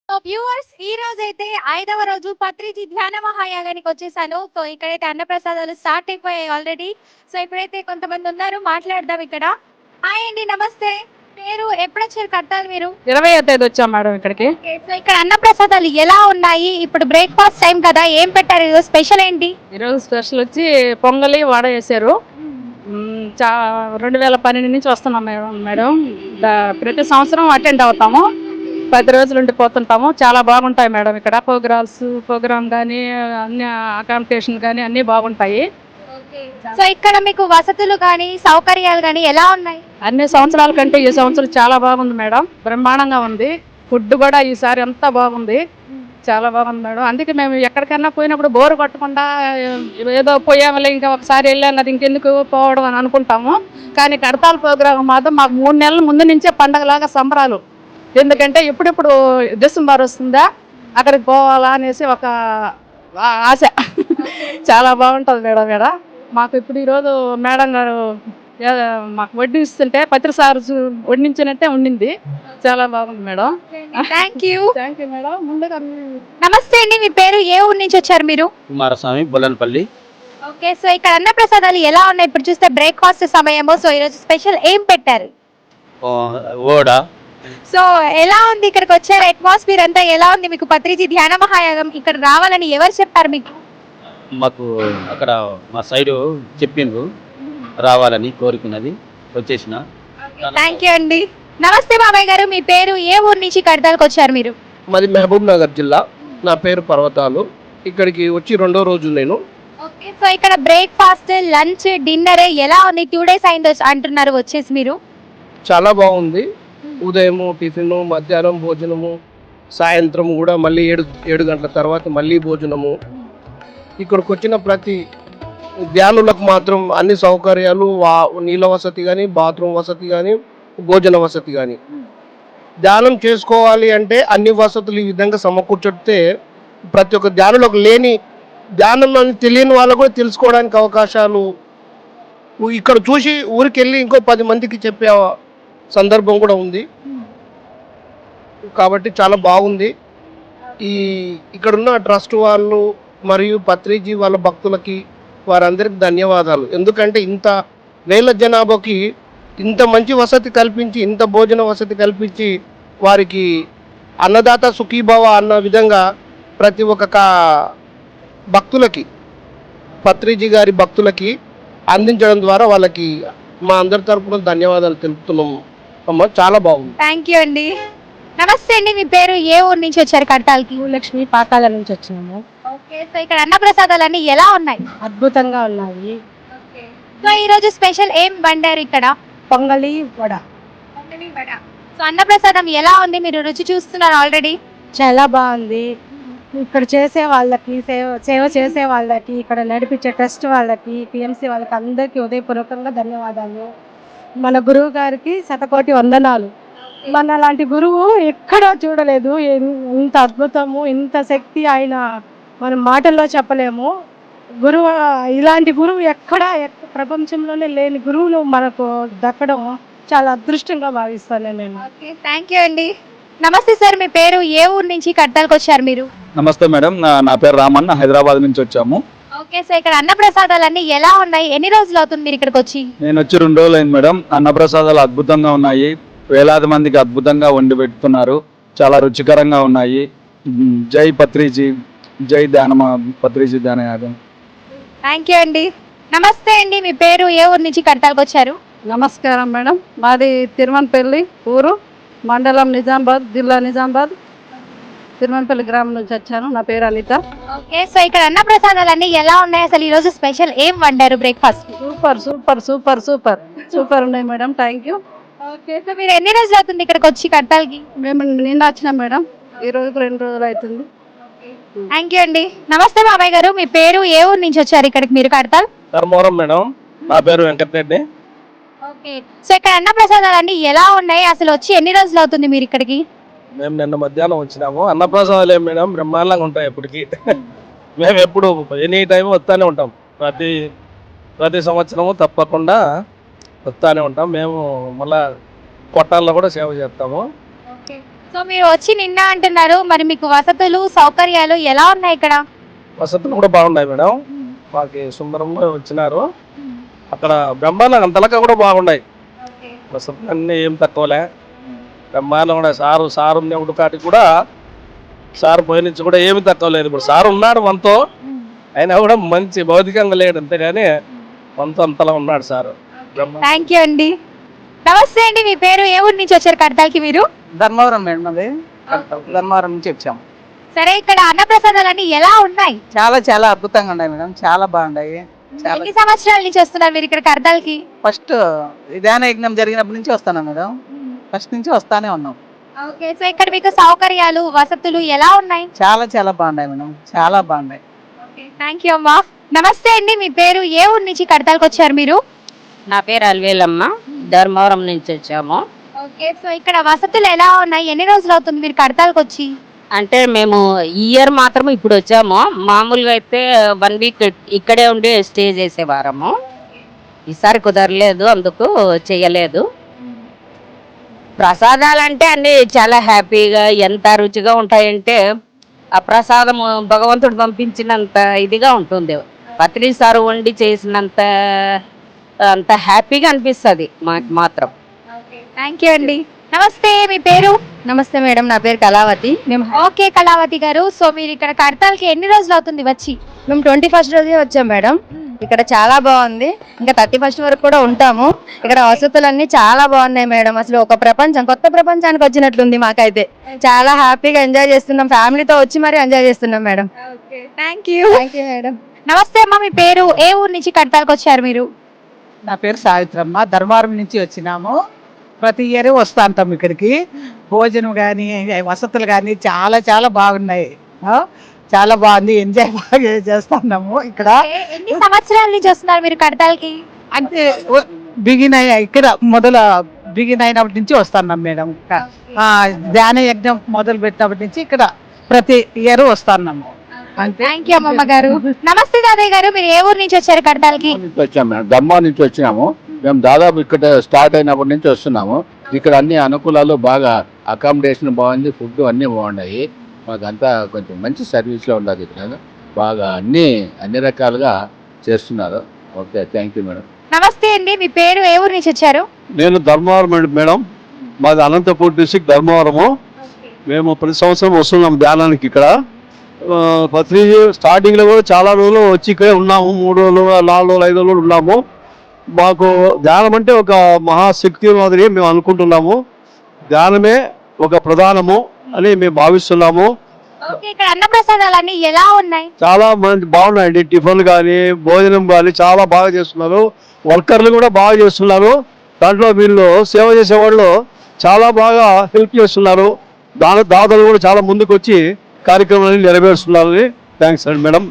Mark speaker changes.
Speaker 1: So viewers ఈ రోజు అయితే 5వ రోజు పత్రిజీ ధ్యాన మహాయాగానికి వచ్చేసాను. సో ఇక్కడైతే అన్నప్రసాదాలు స్టార్ట్ అయిపోయాయి ఆల్రెడీ. సో ఇప్పుడైతే కొంతమంది ఉన్నారు, మాట్లాడదాం ఇక్కడ. హాయ్ అండి, నమస్తే. పేరు, ఎప్పుడు వచ్చారు కట్టాలి మీరు?
Speaker 2: 20వ తేదీ వచ్చాం మేడం ఇక్కడికి.
Speaker 1: సో ఇక్కడ అన్నప్రసాదాలు ఎలా ఉన్నాయి? ఇప్పుడు బ్రేక్ఫాస్ట్ టైం కదా, ఏం పెట్టారు ఈరోజు? స్పెషల్ ఏంటి
Speaker 2: ఈరోజు స్పెషల్ వచ్చి పొంగలి వడ వేసారు. 2012 నుంచి వస్తున్నాం మేడం. ప్రతి సంవత్సరం అటెండ్ అవుతాము, 10 రోజులు ఉండిపోతుంటాము. చాలా బాగుంటాయి మేడం ఇక్కడ. ప్రోగ్రామ్ కానీ అన్ని అకామిడేషన్ కానీ అన్నీ బాగుంటాయి.
Speaker 1: సో ఇక్కడ మీకు వసతులు కానీ సౌకర్యాలు కానీ ఎలా ఉన్నాయి?
Speaker 2: అన్ని సంవత్సరాల కంటే ఈ సంవత్సరం చాలా బాగుంది మేడం, బ్రహ్మాండంగా ఉంది. ఫుడ్ కూడా ఈసారి అంతా బాగుంది, చాలా బాగుంది మేడం. అందుకే మేము ఎక్కడికైనా పోయినప్పుడు బోరు కొట్టకుండా ఏదో పోయామలే ఇంకా ఒకసారి వెళ్ళాం కదా ఇంకెందుకు పోవడం అని అనుకుంటాము. కానీ కడతాల ప్రోగ్రాం మాత్రం మాకు 3 నెలల ముందు నుంచే పండగలాగా సంబరాలు. ఎందుకంటే ఎప్పుడెప్పుడు డిసెంబర్ వస్తుందా అక్కడికి పోవాలా అనేసి ఒక ఆశ. చాలా బాగుంటుంది మేడం ఇక్కడ. మాకు ఇప్పుడు ఈరోజు మేడం గారు మాకు వడ్డిస్తుంటే పత్రిసారు వడ్డించినట్టే ఉండింది, చాలా బాగుంది మేడం.
Speaker 1: Thank you
Speaker 2: madam. ముందుగా
Speaker 1: నమస్తే అండి, మీ పేరు, ఏ ఊరు నుంచి వచ్చారు మీరు?
Speaker 3: కుమారస్వామి, బొల్లనపల్లి.
Speaker 1: ఓకే, సో ఇక్కడ అన్నప్రసాదాలు ఎలా ఉన్నాయి? ఇప్పుడు చూస్తే బ్రేక్ఫాస్ట్ సమయము. సో ఈరోజు స్పెషల్ ఏం పెట్టారు?
Speaker 3: ఓడ.
Speaker 1: సో ఎలా ఉంది ఇక్కడికి వచ్చారు? అట్మాస్ఫియర్ అంతా ఎలా ఉంది మీకు? పత్రిజీ ధ్యాన మహాయాగం ఇక్కడ రావాలని ఎవరు చెప్పారు మీకు?
Speaker 3: మాకు అక్కడ మా సైడు చెప్పిండ్రు రావాలని, కోరుకున్నది, వచ్చేసిన.
Speaker 1: థ్యాంక్ యూ అండి. నమస్తే బాబాయ్ గారు, మీ పేరు, ఏ ఊరు నుంచి కడతాలకు వచ్చారు మీరు?
Speaker 4: మాది మహబూబ్ నగర్ జిల్లా. నా పేరు పర్వతాలు. ఇక్కడికి వచ్చి 2వ రోజు నేను.
Speaker 1: ఓకే, సో ఇక్కడ బ్రేక్ఫాస్ట్, లంచ్, డిన్నర్ ఎలా ఉంది? 2 days అయింది అంటున్నారు వచ్చేసి మీరు.
Speaker 4: చాలా బాగుంది. ఉదయము టిఫిన్, మధ్యాహ్నం భోజనము, సాయంత్రం కూడా మళ్ళీ 7 గంటల తర్వాత మళ్ళీ భోజనము. ఇక్కడికి వచ్చిన ప్రతి ధ్యానులకు మాత్రం అన్ని సౌకర్యాలు, నీళ్ళ వసతి కానీ, బాత్రూమ్ వసతి కానీ, భోజన వసతి కానీ. ధ్యానం చేసుకోవాలి అంటే అన్ని వసతులు ఈ విధంగా సమకూర్చితే ప్రతి ఒక్క ధ్యానులకు లేని ధ్యానం అని తెలియని వాళ్ళకు కూడా తెలుసుకోవడానికి అవకాశాలు ఇక్కడ చూసి ఊరికి వెళ్ళి ఇంకో 10 మందికి చెప్పే సందర్భం కూడా ఉంది. కాబట్టి చాలా బాగుంది. ఇక్కడున్న ట్రస్ట్ వాళ్ళు మరియు పత్రిజీ వాళ్ళ భక్తులకి వారందరికి ధన్యవాదాలు. ఎందుకంటే ఇంత వేల జనాభాకి ఇంత మంచి వసతి కల్పించి, ఇంత భోజన వసతి కల్పించి, వారికి అన్నదాత సుఖీభవ అన్న విధంగా ప్రతి ఒక్క భక్తులకి, పత్రిజీ గారి భక్తులకి అందించడం ద్వారా వాళ్ళకి మా అందరి తరపున ధన్యవాదాలు తెలుపుతున్నాము అమ్మ. చాలా బాగుంది.
Speaker 1: థ్యాంక్ యూ అండి. నమస్తే అండి, మీ పేరు, ఏ ఊరు నుంచి వచ్చారు కడతాలకి?
Speaker 2: లక్ష్మి, పాకాల నుంచి వచ్చినాము.
Speaker 1: ఓకే, సో ఇక్కడ అన్నప్రసాదాలు అన్ని ఎలా ఉన్నాయి?
Speaker 2: అద్భుతంగా ఉన్నాయి.
Speaker 1: సో ఈ రోజు స్పెషల్ ఏం వండారు ఇక్కడ?
Speaker 2: పొంగలి వడ
Speaker 1: సో అన్నప్రసాదం ఎలా ఉంది? మీరు రుచి చూస్తున్నారు ఆల్రెడీ.
Speaker 2: చాలా బాగుంది. ఇక్కడ చేసే వాళ్ళకి, సేవ చేసే వాళ్ళకి, ఇక్కడ నడిపించే ట్రస్ట్ వాళ్ళకి, పిఎంసి వాళ్ళకి అందరికీ ఉదయపూర్వకంగా ధన్యవాదాలు. మన గురువు గారికి శతకోటి వందనాలు. మన లాంటి గురువు ఎక్కడా చూడలేదు. ఇంత అద్భుతము, ఇంత శక్తి ఆయన మనం మాటల్లో చెప్పలేము. ఇలాంటి గురువు ఎక్కడ ప్రపంచంలోనే లేని గురువులు మనకు దక్కడం చాలా అదృష్టంగా భావిస్తాను నేను.
Speaker 1: థ్యాంక్ యూ అండి. నమస్తే సార్, మీ పేరు, ఏ ఊరు నుంచి కడతాలకు వచ్చారు మీరు?
Speaker 5: నమస్తే మేడం, నా పేరు రామన్న, హైదరాబాద్ నుంచి వచ్చాము.
Speaker 1: ఓకే, సో ఇక్కడ అన్నప్రసాదాలు అన్ని ఎలా ఉన్నాయి? ఎన్ని రోజులు అవుతుంది మీరు ఇక్కడికి వచ్చి?
Speaker 5: నేను వచ్చి 2 రోజులు అయింది మేడం. అన్నప్రసాదాలు అద్భుతంగా ఉన్నాయి, వేలాది మందికి అద్భుతంగా వండి పెడుతున్నారు, చాలా రుచికరంగా ఉన్నాయి. జై పత్రిజీ, జై పత్రిజీ ధ్యాన యాగం.
Speaker 1: థ్యాంక్ యూ అండి. నమస్తే అండి, మీ పేరు, ఏ ఊరు నుంచి కడతాలకు వచ్చారు?
Speaker 2: నమస్కారం మేడం, మాది తిరుమనపల్లి ఊరు, మండలం నిజామాబాద్, జిల్లా నిజామాబాద్, తిరుమనపల్లి గ్రామం నుంచి వచ్చాను. నా పేరు అనిత.
Speaker 1: ఓకే, సో ఇక్కడ అన్నప్రసాదాలు అన్ని ఎలా ఉన్నాయి? అసలు ఈ రోజు స్పెషల్ ఏం వండారు breakfast?
Speaker 2: Super super super super super ఉన్నాయి madam. Thank you.
Speaker 1: Okay, so మీరు ఎన్ని రోజులు అవుతుంది ఇక్కడికి వచ్చి కడతాలకి?
Speaker 2: మేము నిన్న వచ్చినాం మేడం, ఈ రోజుకు 2 రోజులు అవుతుంది.
Speaker 1: థ్యాంక్ యూ అండి. నమస్తే బాబాయ్ గారు, మీ పేరు, ఏ ఊరు నుంచి వచ్చారు ఇక్కడికి మీరు కడతాల్?
Speaker 4: ధర్మవరం మేడం. నా పేరు వెంకటరెడ్డి.
Speaker 1: ఓకే, సో ఇక్కడ అన్నప్రసాదాలు అన్ని ఎలా ఉన్నాయి? అసలు వచ్చి ఎన్ని రోజులు అవుతుంది మీరు ఇక్కడికి?
Speaker 4: మేము నిన్న మధ్యాహ్నం వచ్చినాము. అన్నప్రసాదాలు ఏం మేడం బ్రహ్మాండంగా ఉంటాయి ఎప్పటికీ. మేము ఎప్పుడు ఎనీ టైం వస్తూనే ఉంటాం. ప్రతి సంవత్సరము తప్పకుండా వస్తూనే ఉంటాం. మేము మళ్ళా కొట్టాల్లో కూడా సేవ చేస్తాము.
Speaker 1: సో మీరు వచ్చి నిన్న అంటున్నారు, మరి మీకు వసతులు సౌకర్యాలు ఎలా ఉన్నాయి ఇక్కడ?
Speaker 4: వసతులు కూడా బాగున్నాయి మేడం. మాకు సుందరంగా వచ్చినారు. అక్కడ బ్రహ్మాండంగా అంతలకా కూడా బాగున్నాయి. వసతులు అన్నీ ఏం తక్కువలే, బ్రహ్మాండం కూడా. సారు ఉన్నప్పుడు కాటికి కూడా సారు పోయి నుంచి కూడా ఏమి తక్కువ లేదు. ఇప్పుడు సారు ఉన్నాడు మనతో, అయినా కూడా మంచి భౌతికంగా లేడు అంతేగాని మనతో అంతలా ఉన్నాడు సారు.
Speaker 1: థ్యాంక్ యూ అండి. నమస్తే అండి, మీ పేరు? ఏ ఊరు నుంచి వచ్చారు కడతాల్కి మీరు?
Speaker 6: ధర్మవరం మేడం, అది ధర్మవరం నుంచి వచ్చాము.
Speaker 1: సరే, ఇక్కడ అన్నప్రసాదాలన్నీ ఎలా ఉన్నాయి?
Speaker 6: చాలా చాలా అద్భుతంగా ఉన్నాయి మేడం, చాలా బాగున్నాయి. చాలా
Speaker 1: ఎన్ని సంవత్సరాల నుంచి వస్తున్నారు మీరు ఇక్కడ కడతాల్కి?
Speaker 6: ఫస్ట్ ధ్యాన యజ్ఞం జరిగినప్పటి నుంచి వస్తాను మేడం, ఫస్ట్ నుంచి వస్తానే ఉన్నాం.
Speaker 1: ఓకే, సో ఇక్కడ మీకు సౌకర్యాలు వసతులు ఎలా ఉన్నాయి?
Speaker 6: చాలా చాలా బాగున్నాయి మేడం, చాలా బాగున్నాయి.
Speaker 1: థ్యాంక్ యూ అమ్మా. నమస్తే అండి, మీ పేరు? ఏ ఊరు నుంచి కడతాల్కి వచ్చారు మీరు?
Speaker 7: నా పేరు అల్వేలమ్మ, ధర్మవరం నుంచి వచ్చాము.
Speaker 1: ఓకే, సో ఇక్కడ వసతులు ఎలా ఉన్నాయి? ఎన్ని రోజులు అవుతుంది మీరు కడతాల్కి వచ్చి?
Speaker 7: అంటే మేము ఈ ఇయర్ మాత్రం ఇప్పుడు వచ్చాము. మామూలుగా అయితే 1 వీక్ ఇక్కడే ఉండి స్టే చేసేవారము. ఈసారి కుదరలేదు, అందుకు చేయలేదు. ప్రసాదాలు అంటే అన్ని చాలా హ్యాపీగా ఎంత రుచిగా ఉంటాయంటే ఆ ప్రసాదం భగవంతుడు పంపించినంత ఇదిగా ఉంటుంది. పత్రి సారు వండి చేసినంత అంత హ్యాపీగా అనిపిస్తుంది మాకు మాత్రం.
Speaker 1: థ్యాంక్ యూ అండి. నమస్తే, మీ పేరు?
Speaker 8: నమస్తే మేడం, నా పేరు కళావతి.
Speaker 1: ఓకే కళావతి గారు, సో మీరు ఇక్కడ కడతాల్కి ఎన్ని రోజులు అవుతుంది వచ్చి?
Speaker 8: మేము 21st రోజే వచ్చాం మేడం. ఇక్కడ చాలా బాగుంది, ఇంకా 31st వరకు కూడా ఉంటాము. ఇక్కడ వసతులన్నీ చాలా బాగున్నాయి మేడం. అసలు ఒక ప్రపంచం, కొత్త ప్రపంచానికి వచ్చినట్లుంది మాకైతే. చాలా హ్యాపీగా ఎంజాయ్ చేస్తున్నాం, ఫ్యామిలీతో వచ్చి మరి ఎంజాయ్ చేస్తున్నాం madam.
Speaker 1: Thank you.
Speaker 8: Thank you madam.
Speaker 1: నమస్తే అమ్మా, మీ పేరు? ఏ ఊరు నుంచి కడతాల్కి వచ్చారు మీరు?
Speaker 6: నా పేరు సావిత్రమ్మ, ధర్మవరం నుంచి వచ్చినాము. ప్రతి ఇయర్ వస్తా ఉంటాం ఇక్కడికి. భోజనం కానీ వసతులు కానీ చాలా చాలా బాగున్నాయి. చాలా బాగుంది, ఎంజాయ్ బాగా చేస్తున్నాము ఇక్కడ.
Speaker 1: ఎన్ని సంవత్సరాల నుంచి వస్తున్నారు మీరు కడతాల్కి?
Speaker 6: అంటే ఇక్కడ బిగిన్ అయినప్పటి నుంచి వస్తున్నాం మేడం. ధ్యాన యజ్ఞం మొదలు పెట్టినప్పటి నుంచి ఇక్కడ ప్రతి ఇయర్ వస్తున్నాము. అంతే.
Speaker 1: థ్యాంక్ యూ అమ్మమ్మ గారు. నమస్తే తాతయ్య గారు, మీరు ఏ ఊరు నుంచి వచ్చారు కడతాల్కి?
Speaker 9: వచ్చాము మేడం, ధర్మవరం నుంచి వచ్చినాము. మేము దాదాపు ఇక్కడ స్టార్ట్ అయినప్పటి నుంచి వస్తున్నాము. ఇక్కడ అన్ని అనుకూలాలు బాగా, అకామిడేషన్ బాగుంది, ఫుడ్ అన్నీ బాగున్నాయి. మాకంతా కొంచెం మంచి సర్వీస్లో ఉండదు. ఇక్కడ బాగా అన్ని రకాలుగా చేస్తున్నారు. Okay, thank you madam.
Speaker 1: నమస్తే అండి, మీ పేరు? ఏ ఊరు నుంచి వచ్చారు?
Speaker 10: నేను ధర్మవరం మేడం, మాది అనంతపూర్ డిస్ట్రిక్ట్ ధర్మవరము. మేము ప్రతి సంవత్సరం వస్తున్నాం ధ్యానానికి ఇక్కడ. పత్రి స్టార్టింగ్లో కూడా చాలా రోజులు వచ్చి ఇక్కడే ఉన్నాము. 3 రోజులు 4 రోజులు 5 రోజులు ఉన్నాము. మాకు ధ్యానం అంటే ఒక మహాశక్తి మాదిరి మేము అనుకుంటున్నాము. ధ్యానమే ఒక ప్రధానము అని మేము భావిస్తున్నాము.
Speaker 1: ఓకే, ఇక్కడ అన్నప్రసాదాలన్నీ ఎలా ఉన్నాయి?
Speaker 10: చాలా మంది బాగున్నాయండి. టిఫిన్ కానీ భోజనం కానీ చాలా బాగా చేస్తున్నారు. వర్కర్లు కూడా బాగా చేస్తున్నారు. దాంట్లో వీళ్ళు సేవ చేసేవాళ్ళు చాలా బాగా హెల్ప్ చేస్తున్నారు. దాతలు కూడా చాలా ముందుకు వచ్చి కార్యక్రమాన్ని నెరవేరుస్తున్నారు. థ్యాంక్స్ అండి మేడం.